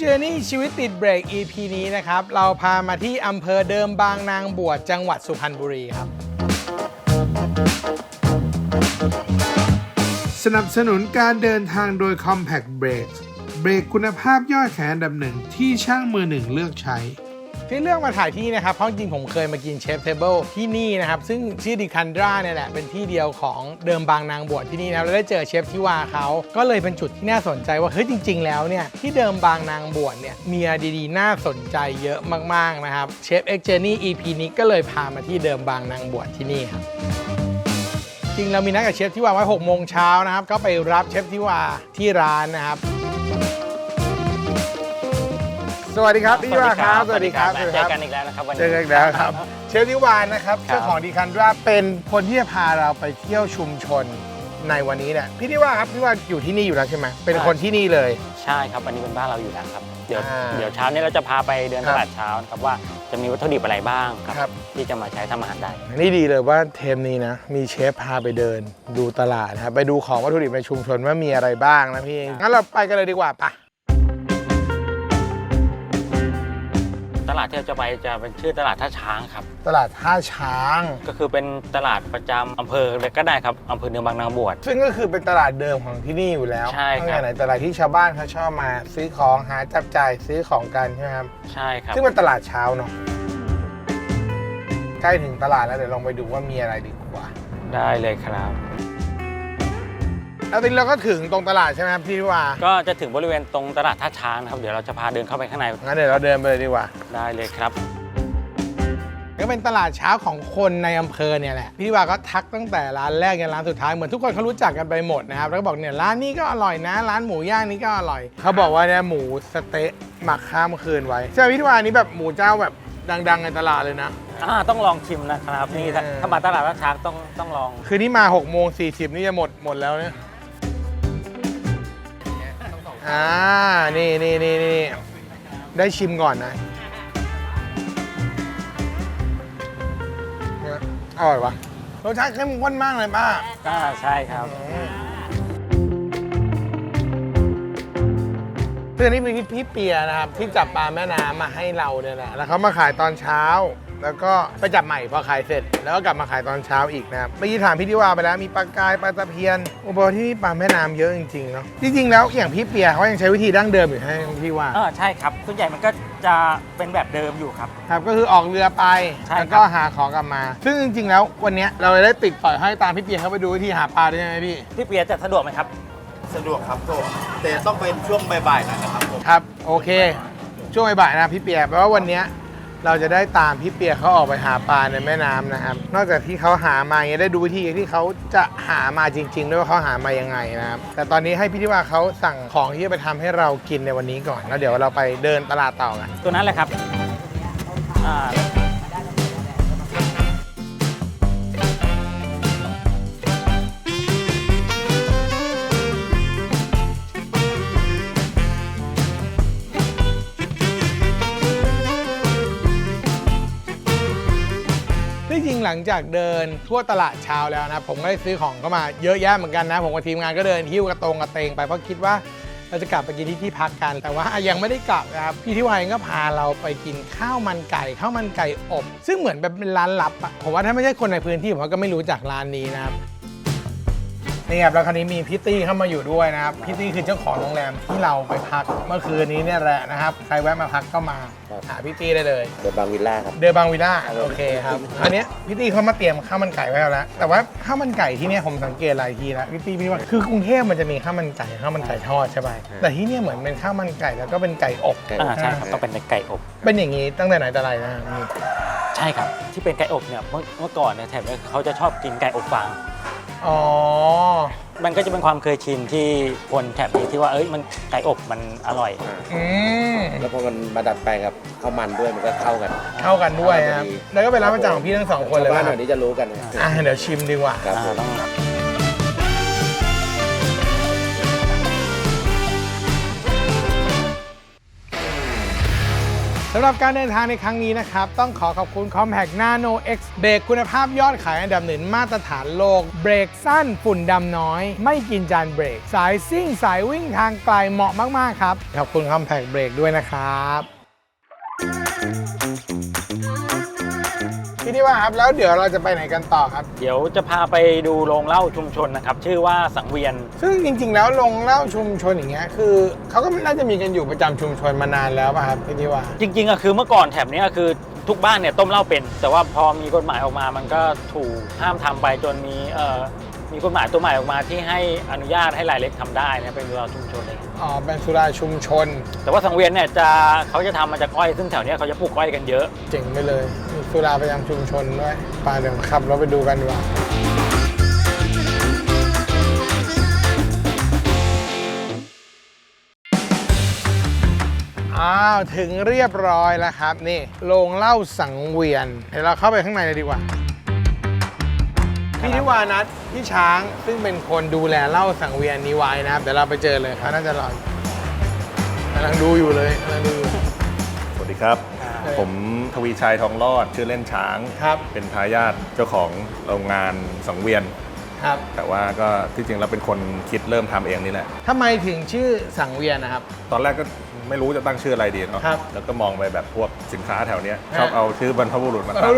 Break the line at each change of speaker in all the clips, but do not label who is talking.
Journey ชีวิตติดเบรก EP นี้นะครับเราพามาที่อำเภอเดิมบางนางบวชจังหวัดสุพรรณบุรีครับสนับสนุนการเดินทางโดย Compact Brakes เบรกคุณภาพยอดแขนอันดับหนึ่งที่ช่างมือหนึ่งเลือกใช้ที่เลือกมาถ่ายที่นี่นะครับเพราะจริงผมเคยมากินเชฟเทเบิลที่นี่นะครับซึ่งชื่อดิคันดราเนี่ยแหละเป็นที่เดียวของเดิมบางนางบวชที่นี่นะแล้วได้เจอเชฟที่ว่าเขาก็เลยเป็นจุดที่น่าสนใจว่าเฮ้ยจริงๆแล้วเนี่ยที่เดิมบางนางบวชเนี่ยมีอะไรดีๆน่าสนใจเยอะมากๆนะครับเชฟเอ็กเจอร์นี่ EP นี้ก็เลยพามาที่เดิมบางนางบวชที่นี่ครับจริงเรามีนัดกับเชฟที่ว่าไว้6 โมงเช้านะครับก็ไปรับเชฟที่ว่าที่ร้านนะครับสวัสดีครับพี่วาครับสวัสดีครับ
เจอกันอีกแล้วนะครับวันนี้
เจอกันอีกแล้วครับเชฟทิวานะครับเจ้าของดิคันดราเป็นคนที่จะพาเราไปเที่ยวชุมชนในวันนี้เนี่ยพี่ทิวาครับพี่ว่าอยู่ที่นี่อยู่แล้วใช่ไหมเป็นคนที่นี่เลย
ใช่ครับวันนี้เป็นบ้านเราอยู่แล้วครับเดี๋ยวเช้านี้เราจะพาไปเดินตลาดเช้าครับว่าจะมีวัตถุดิบอะไรบ้างครับที่จะมาใช้ทำอาหารได้
นี่ดีเลยว่าเทมนี้นะมีเชฟพาไปเดินดูตลาดครับไปดูของวัตถุดิบในชุมชนว่ามีอะไรบ้างนะพี่งั้นเราไปกันเลยดีกว่าปะ
ตลาดที่เราจะไปจะเป็นชื่อตลาดท่าช้างครับ
ตลาดท่าช้าง
ก็คือเป็นตลาดประจำอำเภอเลยก็ได้ครับอำเภอเดิมบางนางบวช
ซึ่งก็คือเป็นตลาดเดิมของที่นี่อยู่แล้ว
ใช่ครับ
ไหนตลาดที่ชาวบ้านเขาชอบมาซื้อของหาจับจ่ายซื้อของกันใช่ไหมครับ
ใช่ครับ
ซึ่งเป็นตลาดเช้าเนาะใกล้ถึงตลาดแล้วเดี๋ยวลองไปดูว่ามีอะไรดีกว่า
ได้เลยครับ
แล้วทีนี้เราก็ถึงตรงตลาดใช่ไหมครับพี่ว่า
ก็จะถึงบริเวณตรงตลาดท่าช้างนะครับเดี๋ยวเราจะพาเดินเข้าไปข้างใน
งั้นเดี๋ยวเราเดินไปเลยดีกว่า
ได้เลยครับ
ก็เป็นตลาดเช้าของคนในอำเภอเนี่ยแหละพี่ว่าก็ทักตั้งแต่ร้านแรกยันร้านสุดท้ายเหมือนทุกคนเขารู้จักกันไปหมดนะครับแล้วก็บอกเนี่ยร้านนี้ก็อร่อยนะร้านหมูย่างนี้ก็อร่อยเขาบอกว่าเนี่ยหมูสเต๊ะหมักข้ามคืนไว้ใช่ไหมพี่ว่านี้แบบหมูเจ้าแบบดังๆในตลาดเลยนะ
ต้องลองชิมนะครับนี่ถ้ามาตลาดท่าช้างต้องลอง
คือนี่มา6:40นี่จะหมดแล้วเนี่ยนี่ได้ชิมก่อนนะอร่อยวะรสชาติเข้มข้นมากเลยป้า
ใช่ครับ
คือนี่เป็นพี่เปียนะครับที่จับปลาแม่น้ำมาให้เราเนี่ยแหละแล้วเขามาขายตอนเช้าแล้วก็ไปจับใหม่พอขายเสร็จแล้วก็กลับมาขายตอนเช้าอีกนะครับเมื่อกี้ถามพี่ทิวาไปแล้วมีปลากายปลาตะเพียนโอ้โหที่นี่ปลาแม่น้ำเยอะจริงๆเนาะจริงๆแล้วอย่างพี่เปียเขายังใช้วิธีดั้งเดิมอยู่ให้พี่ว่า
ใช่ครับส่วนใหญ่มันก็จะเป็นแบบเดิมอยู่ครับ
ก็คือออกเรือไปแล้วก็หาของกลับมาซึ่งจริงๆแล้ววันนี้เราได้ติดต่อยให้ตามพี่เปียเขาไปดูวิธีหาปลาได้ไหม
พี่เปียจะสะดวกไหมครับ
สะดวกครับแต่ต้องเป็นช่วงบ่ายๆนะครับผม
ครับโอเคช่วงบ่ายๆนะพี่เปียแปลว่าวันนี้เราจะได้ตามพี่เปียเขาออกไปหาปลาในแม่น้ำนะครับนอกจากที่เขาหามาอย่างได้ดูวิธีที่เขาจะหามาจริงๆด้วยว่าเขาหามายังไงนะครับแต่ตอนนี้ให้พี่ทิวาเขาสั่งของที่จะไปทำให้เรากินในวันนี้ก่อนแล้วเดี๋ยวเราไปเดินตลาดต่อกัน
ตัวนั้นแหละครับ
จริงหลังจากเดินทั่วตลาดเช้าแล้วนะผมก็ได้ซื้อของเข้ามาเยอะแยะเหมือนกันนะผมกับทีมงานก็เดินหิ้วกระเตงไปเพราะคิดว่าเราจะกลับไปกินที่พักกันแต่ว่ายังไม่ได้กลับนะครับพี่ทิวาก็พาเราไปกินข้าวมันไก่อบซึ่งเหมือนแบบเป็นร้านลับอะผมว่าถ้าไม่ใช่คนในพื้นที่ผมก็ไม่รู้จักร้านนี้นะครับนี่ครับแล้วคราวนี้มีพี่ตี้เข้ามาอยู่ด้วยนะครับพี่ตี้คือเจ้าของโรงแรมที่เราไปพักเมื่อคืนนี้เนี่ยแหละนะครับใครแวะมาพักก็มาหาพี่ตี้ได้เลย
เดอะบางวิลล่าครับ
เดอะบางวิลล่าโอเคครับอันนี้พี่ตี้เขามาเตรียมข้าวมันไก่ไว้แล้วแต่ว่าข้าวมันไก่ที่นี่ผมสังเกตหลายทีแล้วพี่ตี้ว่าคือกรุงเทพมันจะมีข้าวมันไก่ทอดใช่ไหมแต่ที่นี่เหมือนเป็นข้าวมันไก่แล้วก็เป็นไก่อบ
ใช่ครับต้องเป็นไก่อบ
เป็นอย่างนี้ตั้งแต่ไหนแต่ไรนะ
ใช่ครับที่เป็นไก่อบเนี่ยเมื่อก่อนเนี่ยแถบนี้เขาจะชอบกินไก่อบฟางมันก็จะเป็นความเคยชินที่คนแถบนี้ที่ว่ามันไก่อบมันอร่อย
แล้วพอมันมาดัดแปลงกับข้าวมันด้วยมันก็เข้ากัน
ด้วยครับแล้วก็เป็นร้านประจำของพี่ทั้ง2คนเลย
บ้านแถวนี้จะรู้กัน
เดี๋ยวชิมดีกว่า
ต้อง
สำหรับการเดินทางในครั้งนี้นะครับต้องขอบคุณ Compact Nano X เบรกคุณภาพยอดขายอันดับหนึ่งมาตรฐานโลกเบรกสั้นฝุ่นดำน้อยไม่กินจานเบรกสายซิ่งสายวิ่งทางไกลเหมาะมากๆครับขอบคุณ Compact Brake ด้วยนะครับพี่ที่ว่าครับแล้วเดี๋ยวเราจะไปไหนกันต่อครับ
เดี๋ยวจะพาไปดูโรงเหล้าชุมชนนะครับชื่อว่าสังเวียน
ซึ่งจริงๆแล้วโรงเหล้าชุมชนอย่างเงี้ยคือเขาก็น่าจะมีกันอยู่ประจำชุมชนมานานแล้วป่ะครับพี่ที่ว่า
จริงๆอะคือเมื่อก่อนแถบนี้คือทุกบ้านเนี่ยต้มเหล้าเป็นแต่ว่าพอมีกฎหมายออกมามันก็ถูกห้ามทำไปจนมีกฎหมายตัวใหม่ออกมาที่ให้อนุญาตให้รายเล็กทำได้นะเป็นสุราชุมชนเลย
อ๋อเป็นสุราชุมชน
แต่ว่าสังเวียนเนี่ยเขาจะทำมาจากอ้อยซึ่งแถวนี้เขาจะปลูกอ้อยกันเยอะ
เจ๋งไปเลยมีสุราประจำชุมชนด้วยไปเดี๋ยวขับเราไปดูกันดีกว่าถึงเรียบร้อยแล้วครับนี่โรงเหล้าสังเวียนเดี๋ยวเราเข้าไปข้างในเลยดีกว่าพี่นิวานัทพี่ช้างซึ่งเป็นคนดูแลเหล้าสังเวียนนี้ไว้นะครับเดี๋ยวเราไปเจอเลยครับน่าจะรอกำลังดูอยู่เลยกำลังดูอยู่
สวัสดีครับผมทวีชัยทองรอดชื่อเล่นช้าง
ครับ
เป็นทายาทเจ้าของโรงงานสังเวียน
ครับ
แต่ว่าก็ที่จริงเราเป็นคนคิดเริ่มทำเองนี่แหละ
ทำไมถึงชื่อสังเวียนนะครับ
ตอนแรกก็ไม่รู้จะตั้งชื่ออะไรดีเนาะแล้วก็มองไปแบบพวกสินค้าแถวนี้ชอบเอาชื่อบรรพบุรุษมาตั้ง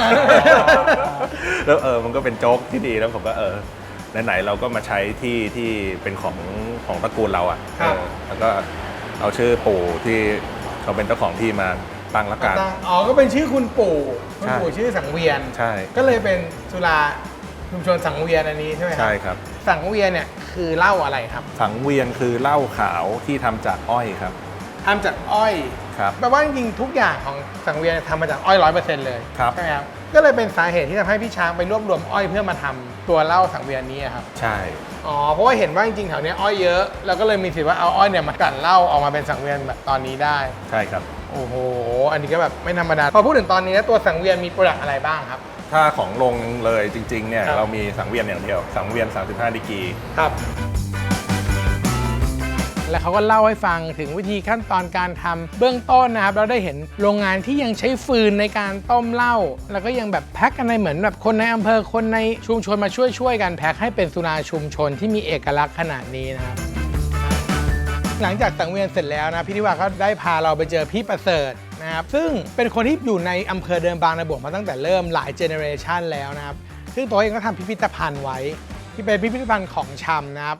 แล้วมันก็เป็นโจ๊กที่ดีแล้วผมก็ไหนๆเราก็มาใช้ที่เป็นของตระกูลเราอ่ะแล้วก็เอาชื่อปู่ที่เขาเป็นเจ้าของที่มาตั้งละกัน
อ๋อก็เป็นชื่อคุณปู่ชื่อสังเวียน
ใช่
ก็เลยเป็นสุราชุมชนสังเวียนอันนี้ใช่ไหมครับ
ใช่ครับ
สังเวียนเนี่ยคือเหล้าอะไรครับ
สังเวียนคือเหล้าขาวที่ทำจากอ้อยครับ
ทำจากอ้อย
ครับ
แปลว่าจริงๆทุกอย่างของสังเวียนทำมาจากอ้อย 100% เลย
ครับ
ใช่ไหมครับก็เลยเป็นสาเหตุที่ทำให้พี่ช้างไปรวบรวมอ้อยเพื่อมาทำตัวเหล้าสังเวียนนี้ครับ
ใช่
อ๋อเพราะว่าเห็นว่าจริงๆแถวนี้อ้อยเยอะแล้วก็เลยมีสิทธิ์ว่าเอาอ้อยเนี่ยมากลั่นเหล้าออกมาเป็นสังเวียนแบบตอนนี้ได้
ใช่ครับ
โอ้โหอันนี้ก็แบบไม่ธรรมดาพอพูดถึงตอนนี้ตัวสังเวียนมีโปรดักต์อะไรบ้างครับ
ถ้าของลงเลยจริงๆเนี่ยเรามีสังเวียนอย่างเดียวสังเวียน35 ดีกรี
ครับแล้วเขาก็เล่าให้ฟังถึงวิธีขั้นตอนการทำเบื้องต้นนะครับเราได้เห็นโรงงานที่ยังใช้ฟืนในการต้มเหล้าแล้วก็ยังแบบแพ็คกันในเหมือนแบบคนในอำเภอคนในชุมชนมาช่วยกันแพ็คให้เป็นสุราชุมชนที่มีเอกลักษณ์ขนาดนี้นะครับหลังจากสังเวียนเสร็จแล้วนะพี่นิวาก็ได้พาเราไปเจอพี่ประเสริฐนะครับซึ่งเป็นคนที่อยู่ในอำเภอเดิมบางนาบวกมาตั้งแต่เริ่มหลายเจเนอเรชันแล้วนะครับซึ่งตัวเองก็ทำพิพิธภัณฑ์ไว้ที่เป็นพิพิธภัณฑ์ของชำนะครับ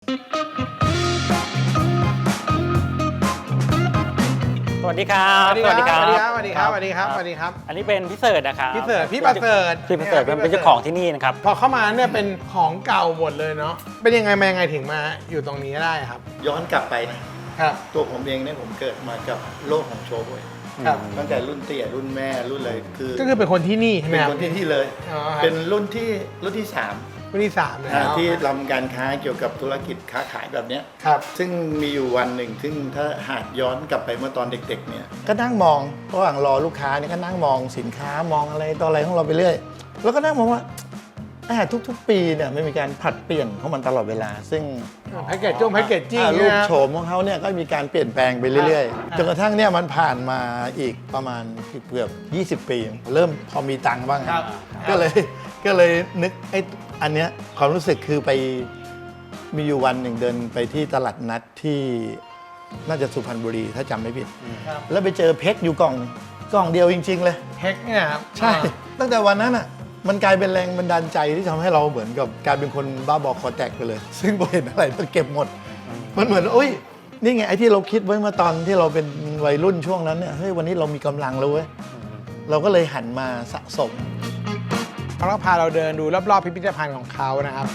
สวัสดีครับ
สวัสดีครับ สวัสดีครับ สวัสดีครับ สวัสดีครับ
อันนี้เป็นพี่เสิร์ชนะครับ
พี่ประเสริฐพี่ประเสริฐ
เป็นเจ้าของที่นี่นะครับ
พอเข้ามาเนี่ยเป็นของเก่าหมดเลยเนาะเป็นยังไงมายังไงถึงมาอยู่ตรงนี้ได้ครับ
ย้อนกลับไปนะครับตัวผมเองเนี่ยผมเกิดมากับโลกของโชว์บวยครับตั้งแต่รุ่นเตี่ยรุ่นแม่รุ่นอะไร
ก็คือเป็นคนที่นี่ใช่ไหมครับ
เป็นคนที่เลยเป็นรุ่นที่3
รุ่นที่3
แล้วที่ทำการค้าเกี่ยวกับธุรกิจค้าขายแบบนี้
ครับ
ซึ่งมีอยู่วันหนึ่งซึ่งถ้าหากย้อนกลับไปเมื่อตอนเด็กๆเนี่ยก็นั่งมองระหว่างรอลูกค้าเนี่ยก็นั่งมองสินค้ามองอะไรต่ออะไรของเราไปเรื่อยแล้วก็นั่งมองว่าทุกปีเนี่ยไม่มีการผลัดเปลี่ยนของมันตลอดเวลาซึ่ง
แพ็กเกจจิ้ง
รูปโฉมของเขาเนี่ยก็มีการเปลี่ยนแปลงไปเรื่อยๆจนกระทั่งเนี่ยมันผ่านมาอีกประมาณเกือบ20 ปีเริ่มพอมีตังค์บ้างก็เลยนึกอันเนี้ยความรู้สึกคือไปมีอยู่วันหนึ่งเดินไปที่ตลาดนัดที่น่าจะสุพรรณบุรีถ้าจำไม่ผิดแล้วไปเจอเพชรอยู่กล่องเดียวจริงๆเลย
เพชรเนี่ยครับ
ใช่ตั้งแต่วันนั้นอ่ะมันกลายเป็นแรงบันดาลใจที่ทำให้เราเหมือนกับกลายเป็นคนบ้าบอคอแตกไปเลยซึ่งพอเห็นอะไรต้องเก็บหมดมันเหมือนโอ้ยนี่ไงไอ้ที่เราคิดไว้เมื่อตอนที่เราเป็นวัยรุ่นช่วงนั้นเนี่ยเฮ้ยวันนี้เรามีกำลังแล้วเว้ยเราก็เลยหันมาสะสม
เขาก็พาเราเดินดูรอบๆพิพิธภัณฑ์ของเขานะครับ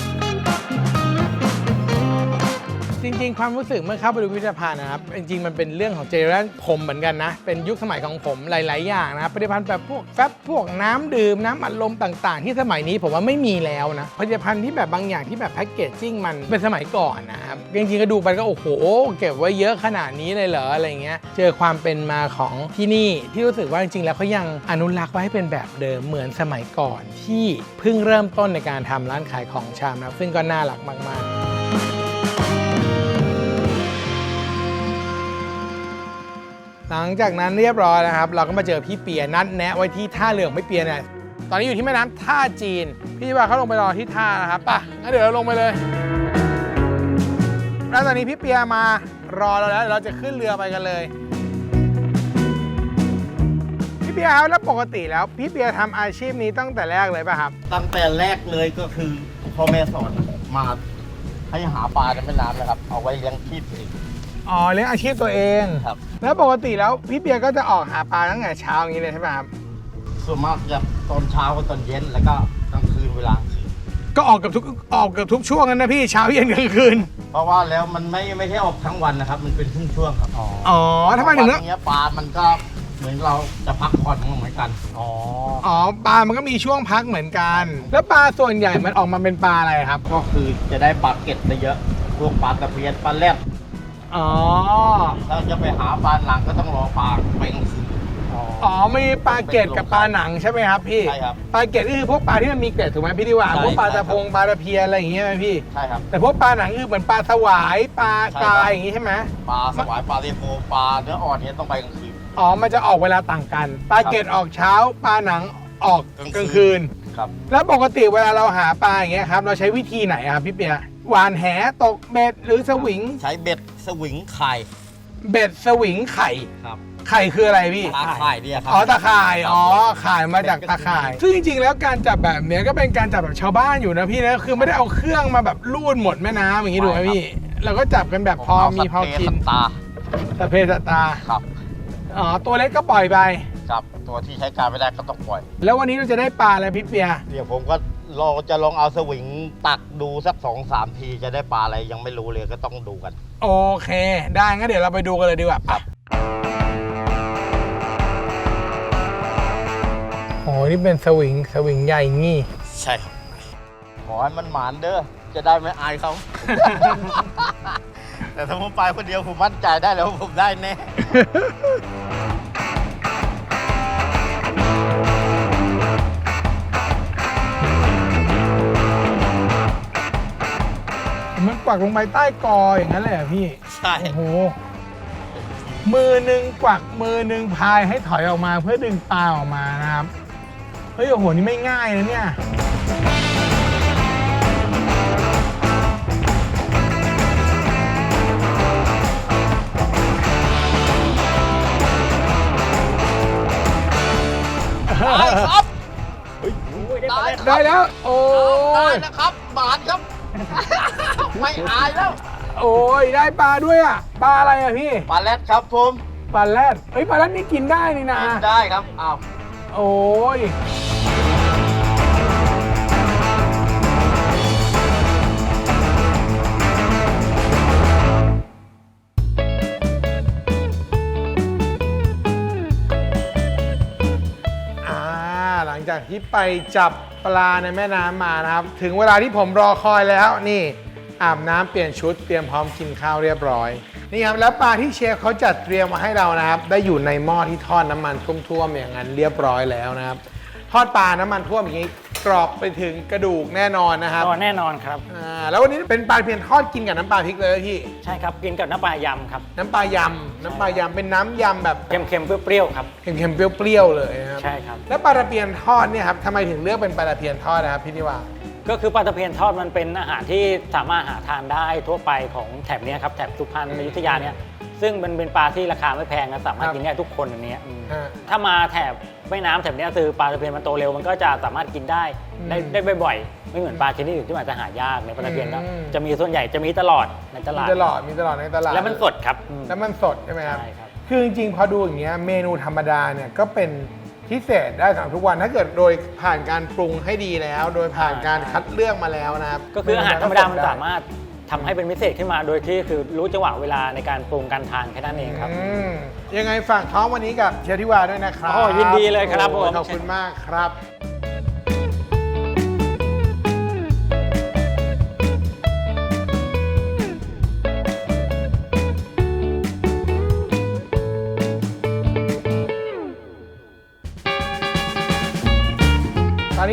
จริงๆความรู้สึกเมื่อเข้าไปดูพิพิธภัณฑ์นะครับจริงๆมันเป็นเรื่องของเจเนอเรชันผมเหมือนกันนะเป็นยุคสมัยของผมหลายๆอย่างนะครับผลิตภัณฑ์แบบพวกแฟบพวกน้ำดื่มน้ำอัดลมต่างๆที่สมัยนี้ผมว่าไม่มีแล้วนะผลิตภัณฑ์ที่แบบบางอย่างที่แบบแพ็กเกจจิ้งมันเป็นสมัยก่อนนะครับจริงๆก็ดูไปก็โอ้โหเก็บไว้เยอะขนาดนี้เลยเหรออะไรเงี้ยเจอความเป็นมาของที่นี่ที่รู้สึกว่าจริงๆแล้วเขายังอนุรักษ์ไว้ให้เป็นแบบเดิมเหมือนสมัยก่อนที่เพิ่งเริ่มต้นในการทำร้านขายของชำนะซึ่งก็น่ารักมากๆหลังจากนั้นเรียบร้อยนะครับ เราก็มาเจอพี่เปียนัดแนะไว้ที่ท่าเรือของพี่เปียเนี่ยตอนนี้อยู่ที่แม่น้ำท่าจีนพี่ว่าเขาลงไปรอที่ท่านะครับป่ะงั้นเดี๋ยวเราลงไปเลยแล้วตอนนี้พี่เปียมารอเราแล้วเดี๋ยวเราจะขึ้นเรือไปกันเลยพี่เปียครับแล้วปกติแล้วพี่เปียทำอาชีพนี้ตั้งแต่แรกเลยป่ะครับ
ตั้งแต่แรกเลยก็คือพ่อแม่สอนมาให้หาปลาในแม่น้ำนะครับ เอาไว้เลี้ยงชีพเอง
อ๋อเลี้ยงอาชีพตัวเอง
ครับ
แล้วปกติแล้วพี่เปียก็จะออกหาปลาตั้งแต่เช้าอย่างนี้เลยใช่ไหมครับ
ส่วนมากจะตอนเช้ากับตอนเย็นแล้วก็กลางคืนเวลากลางคืน
ก็ออกกับทุกช่วงนั้นนะพี่เช้าเย็นกลางคืน
เพราะว่าแล้วมันไม่ใช่ออกทั้งวันนะครับ มันเป็นช่วงๆครับ
อ๋อทำไมถึง
วันนี้ปลามันก็เหมือนเราจะพักผ่อนเหมือนกัน
อ๋อปลามันก็มีช่วงพักเหมือนกัน แล้วปลาส่วนใหญ่มันออกมาเป็นปลาอะไรครับ
ก็คือจะได้ปลาเก็ดได้เยอะพวกปลาตะเพียนปลาแรด
อ๋อ
ถ้าจะไปหาปลาหลังก็ต้องรอปลาไปกลางคืน
อ๋อมีปลาเกล็ดกับปลาหนังใช่ไหมครับพี่
ใช่ครับ
ปลาเกล็ดนี่คือพวกปลาที่มันมีเกล็ดถูกไหมพี่ดิว่า
ใช่
พวกปลา
ใช่
ตะพงปลาตะเพียนอะไรอย่างเงี้ยไหมพี่
ใช่ครับ
แต่พวกปลาหนังคือเหมือนปลาสวายปลาก
ใช่ครับ
รายอย่างงี้ใช่ไหม
ปลาสวายปลาเรโฟปลาเนื้ออ่อนเนี้ยต้องไปกลางคืน
อ๋อมันจะออกเวลาต่างกัน ปลาเกล็ดออกเช้า ปลาหนังออกกลางคืน
ครับ
แล้วปกติเวลาเราหาปลาอย่างเงี้ยครับเราใช้วิธีไหนอะครับพี่เปียหวานแหตกเบ็ดหรือสวิง
ใช้เบ็ดสวิงไข่
เบ็ดสวิงไข่
ครับ
ไข่คืออะไรพี่
ตาไข่เนี่ยครั
อ๋อตะข่าย
ครับ
อ๋อข่ายมาจากตะข่าย ซึ่งจริงๆแล้วการจับแบบเนี้ยก็เป็นการจับแบบชาวบ้านอยู่นะพี่นะคือไม่ได้เอาเครื่องมาแบบลูดหมดแม่น้ำอย่างงี้ถูกไหมพี่เราก็จับกันแบบพอมีพอกิน
ตา
สะเพสตา
ครับ
อ๋อตัวเล็กก็ปล่อยไป
ครับตัวที่ใช้การไม่ได้ก็ต้องปล่อย
แล้ววันนี้เราจะได้ปลาอะไรพี่เปีย
เดี๋ยวผมก็จะลองเอาสวิงตักดูสัก2-3 ทีจะได้ปลาอะไรยังไม่รู้เลยก็ต้องดูกัน
โอเค ได้งั้นเดี๋ยวเราไปดูกันเลยดีกว่า
ครับ
โอ้นี่เป็นสวิงใหญ่งี้
ใช่ครับขอให้มันหมานเด้อจะได้ไม่อายเขา แต่ถ้าผมไปคนเดียวผมมั่นใจได้แล้วว่าผมได้แน่
มันปักลงไปใต้กออย่างนั้นเลยเหรอพี่
ใช่
โอ้โห มือหนึ่งกวักมือหนึ่งพายให้ถอยออกมาเพื่อดึงปลาออกมานะครับ เฮ้ยโอ้โหนี่ไม่ง่ายนะเนี่ย
ได้ครับ
ได้แล้ว โอ้
ได้
ย
นะครับหมานครับ ไม่อายแล้ว
โอ้ยได้ปลาด้วยอ่ะ ปลาอะไรอ่ะพี่
ปลาแรดครับผม
ปลาแรดเฮ้ยปลาแรดนี่กินได้นี่นะ
กินได้ครับอ้าว
โอ้ย หลังจากที่ไปจับปลาในแม่น้ำมานะครับ ถึงเวลาที่ผมรอคอยแล้วนี่อาบน้ำเปลี่ยนชุดเตรียมพร้อมกินข้าวเรียบร้อยนี่ครับแล้วปลาที่เชฟเขาจัดเตรียมมาให้เรานะครับ ได้อยู่ในหม้อที่ทอดน้ำมันท่วมๆอย่างนั้นเรียบร้อยแล้วนะครับ ทอดปลาน้ำมันท่วมอย่างนี้กรอบไปถึงกระดูกแน่นอนนะครับ
ก็แน่นอนครับ
แล้ววันนี้เป็นปลาเพียนทอดกินกับน้ำปลาพริกเลยพี่
ใช่ครับกินกับน้ำปลายำครับ
น้ำปลายำเป็นน้ำยำแบบ
เค็มๆเปรี้ยวๆครับ
เค็มๆเปรี้ยวๆเลยนะครับ
ใช่ครับ
แล้วปลาตะเพียนทอดเนี่ยครับทำไมถึงเลือกเป็นปลาตะเพียนทอดนะครับพี่นิวา
ก็คือปลาตะเพียนทอดมันเป็นอาหารที่สามารถหาทานได้ทั่วไปของแถบเนี้ยครับแถบสุพรรณอยุธยาเนี่ยซึ่งมันเป็นปลาที่ราคาไม่แพงนะสามารถกินได้ทุกคนอย่างเนี้ยถ้ามาแถบแม่น้ำแถบเนี้ยคือปลาตะเพียนมันโตเร็วมันก็จะสามารถกินได้ได้บ่อยๆไม่เหมือนปลาชนิดอื่นที่มันจะหายากในปลาตะเพียนก็จะมีส่วนใหญ่จะมีตลอดในตลาด
มีตลอดในตลาด
แล้วมันสดครับ
แล้วมันสดใช่ไหมครับ
ใช่ครับ
คือจริงๆพอดูอย่างเงี้ยเมนูธรรมดาเนี่ยก็เป็นพิเศษได้สำหรับทุกวันถ้าเกิดโดยผ่านการปรุงให้ดีแล้ว โดยผ่านการคัดเลือกมาแล้วนะครับ
ก็คืออาหารธรรมดามันสามารถทำให้เป็นพิเศษขึ้นมาโดยที่คือรู้จังหวะเวลาในการปรุงการทานแค่นั้นเองครับ
ยังไงฝากท้องวันนี้กับเชฟทิวาด้วยนะครับ
โอ้ยินดีเลยครับ
โอ้
ผม
ขอบคุณมากครับ ตอนนี้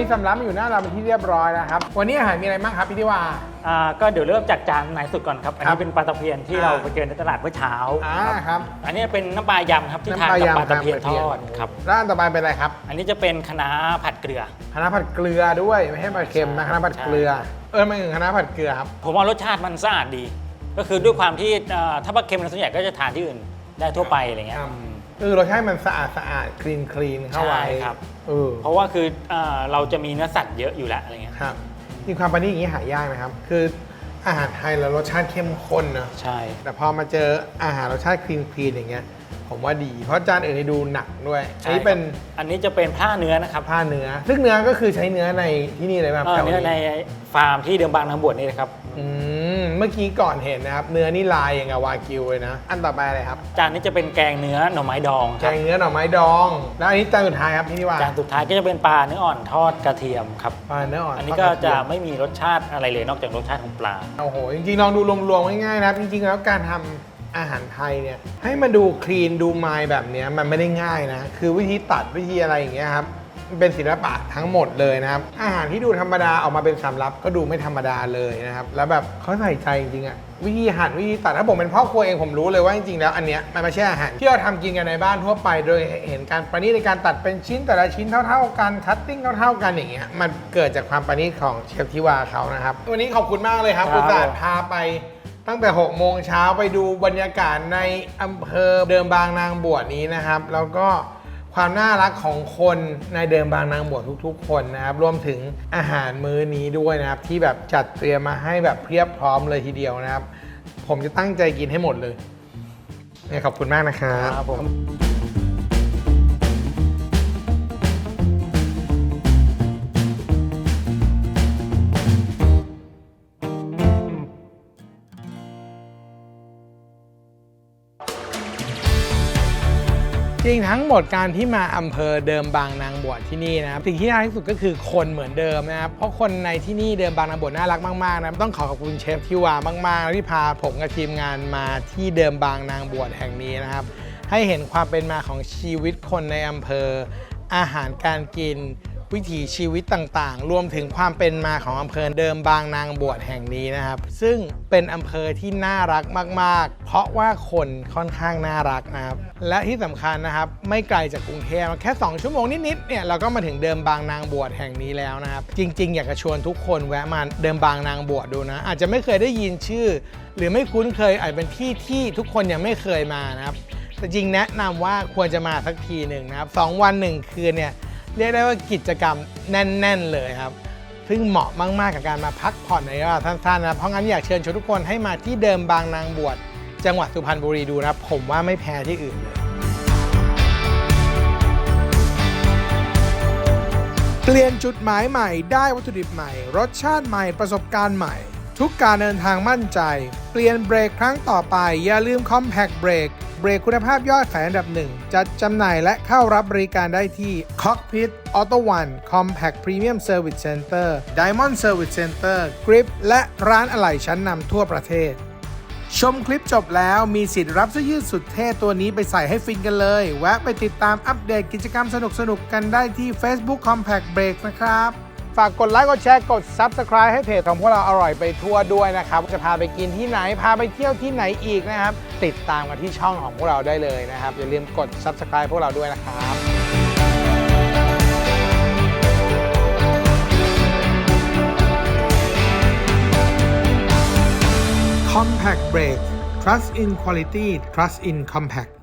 สำรับมาอยู่หน้าเราเป็นที่เรียบร้อยแล้วครับวันนี้อาหารมีอะไรบ้างครับพี่ทิวา
ก็เดี๋ยวเริ่มจากจานไหนสุดก่อนครับ อัน
ครั
นี้
บ
เป็นปลาตะเพียนที่เราไปเจอในตลาดเมื่อเช้า
ครับ
อันนี้เป็นน้ำปลายำครับที่ทานกับปลาตะเพียนทอดครับ
ร้านต่อไปเป็นอะไรครับ
อันนี้จะเป็นคะน้าผัดเกลือ
คะน้าผัดเกลือด้วยไม่ใช่ปลาเค็มนะคะน้าผัดเกลือไม่ถึงคะน้าผัดเกลือครับ
ผมว่ารสชาติมันสะอาดดี ก็คือด้วยความที่ถ้าปลาเค็มเราส่วนใหญ่ก็จะทานที่อื่นได้ทั่วไปอะไรเงี้ย
รสชาติมันสะอาดคลีนเข้าไว้
ใช่ครับ
เพ
เพราะว่าคือเราจะมีเนื้อสัตว์เยอะอยู่แล้วอะไรเงี้ย
ครับจริงความประณีตอย่างนี้หายากไหมครับคืออาหารไทยแล้วรสชาติเข้มข้นนะ
ใช่
แต่พอมาเจออาหารรสชาติคลีนอย่างเงี้ยผมว่าดีเพราะจานอื่นนี่ดูหนักด้วยอันนี้เป็น
อันนี้จะเป็นผ้าเนื้อนะครับ
ผ้าเนื้อซึ่งเนื้อก็คือใช้เนื้อในที่นี่เลยแบบแถว
เนื้อใน
นี้
ฟาร์มที่เดิมบางนางบวชนี่นะครับ
เมื่อกี้ก่อนเห็นนะครับเนื้อนี่ลายอย่างกับวากิวเลยนะอันต่อไปอะไรครับ
จานนี้จะเป็นแกงเนื้อหน่อไม้ดองค
แก
รับ
งเนื้อหน่อไม้ดอง แล้วอันนี้จานสุดท้ายครับพี่นิวา
จานสุดท้ายก็จะเป็นปลาเนื้ออ่อนทอดกระเทียมครับ
ปลาเนื้ออ่อน
อันนี้ก็จะไม่มีรสชาติอะไรเลยนอกจากรสชาติของปลา
โอ้โหจริงๆลองดูรวมๆง่ายๆนะครับจริงๆแล้วการทำอาหารไทยเนี่ยให้มันดูคลีนดูไมล์แบบเนี้ยมันไม่ได้ง่ายนะคือวิธีตัดวิธีอะไรอย่างเงี้ยครับมันเป็นศิลปะทั้งหมดเลยนะครับอาหารที่ดูธรรมดาออกมาเป็นสำรับก็ดูไม่ธรรมดาเลยนะครับแล้วแบบเขาใส่ใจจริงๆอะวิธีหั่นวิธีตัดถ้าผมเป็นพ่อครัวเองผมรู้เลยว่าจริงๆแล้วอันเนี้ยมันไม่ใช่อาหารที่เราทำกินกันในบ้านทั่วไปโดยเห็นการประณีตในการตัดเป็นชิ้นแต่ละชิ้นเท่าๆกันคัตติ้งเท่าๆกันอย่างเงี้ยมันเกิดจากความประณีตของเชฟทิวาเขานะครับวันนี้ขอบคุณมากเลยครับ
ครับ
อุตส่าห์พาไปตั้งแต่6 โมงเช้าไปดูบรรยากาศในอำเภอเดิมบางนางบวชนี้นะครับแล้วก็ความน่ารักของคนในเดิมบางนางบวชทุกๆ คนนะครับรวมถึงอาหารมื้อนี้ด้วยนะครับที่แบบจัดเตรียมมาให้แบบเพียบพร้อมเลยทีเดียวนะครับผมจะตั้งใจกินให้หมดเลยขอบคุณมากนะครับ
ครับผม
จริงทั้งหมดการที่มาอำเภอเดิมบางนางบวชที่นี่นะครับสิ่งที่น่ารักที่สุดก็คือคนเหมือนเดิมนะครับเพราะคนในที่นี่เดิมบางนางบวชน่ารักมากๆนะต้องขอบคุณเชฟทิวามากๆที่พาผมกับทีมงานมาที่เดิมบางนางบวชแห่งนี้นะครับให้เห็นความเป็นมาของชีวิตคนในอำเภออาหารการกินวิถีชีวิตต่างๆรวมถึงความเป็นมาของอำเภอเดิมบางนางบวชแห่งนี้นะครับซึ่งเป็นอำเภอที่น่ารักมากๆเพราะว่าคนค่อนข้างน่ารักนะครับและที่สำคัญนะครับไม่ไกลจากกรุงเทพแค่2 ชั่วโมงนิดๆเนี่ยเราก็มาถึงเดิมบางนางบวชแห่งนี้แล้วนะครับจริงๆอยากจะชวนทุกคนแวะมาเดิมบางนางบวชดูนะอาจจะไม่เคยได้ยินชื่อหรือไม่คุ้นเคยอาจเป็นที่ที่ทุกคนยังไม่เคยมานะครับแต่จริงแนะนำว่าควรจะมาสักทีหนึ่งนะครับ2 วัน 1 คืนเนี่ยเรียกได้ว่ากิจกรรมแน่นๆเลยครับซึ่งเหมาะมากๆกับการมาพักผ่อนในระยะเวลาสั้นๆนะเพราะงั้นอยากเชิญชวนทุกคนให้มาที่เดิมบางนางบวชจังหวัดสุพรรณบุรีดูนะครับผมว่าไม่แพ้ที่อื่นเลยเปลี่ยนจุดหมายใหม่ได้วัตถุดิบใหม่รสชาติใหม่ประสบการณ์ใหม่ทุกการเดินทางมั่นใจเปลี่ยนเบรกครั้งต่อไปอย่าลืม Compact Brake เบรกคุณภาพยอดขายอันดับ 1 จัดจำหน่ายและเข้ารับบริการได้ที่ Cockpit Auto One Compact Premium Service Center Diamond Service Center Grip และร้านอะไหล่ชั้นนำทั่วประเทศชมคลิปจบแล้วมีสิทธิ์รับเสื้อยืดสุดเท่ตัวนี้ไปใส่ให้ฟินกันเลยแวะไปติดตามอัปเดตกิจกรรมสนุกๆกันได้ที่ Facebook Compact Brake นะครับฝากกดไลค์กดแชร์กด Subscribe ให้เพจของพวกเราอร่อยไปทั่วด้วยนะครับจะพาไปกินที่ไหนพาไปเที่ยวที่ไหนอีกนะครับติดตามกันที่ช่องของพวกเราได้เลยนะครับอย่าลืมกด Subscribe พวกเราด้วยนะครับ Compact Brake Trust in Quality Trust in Compact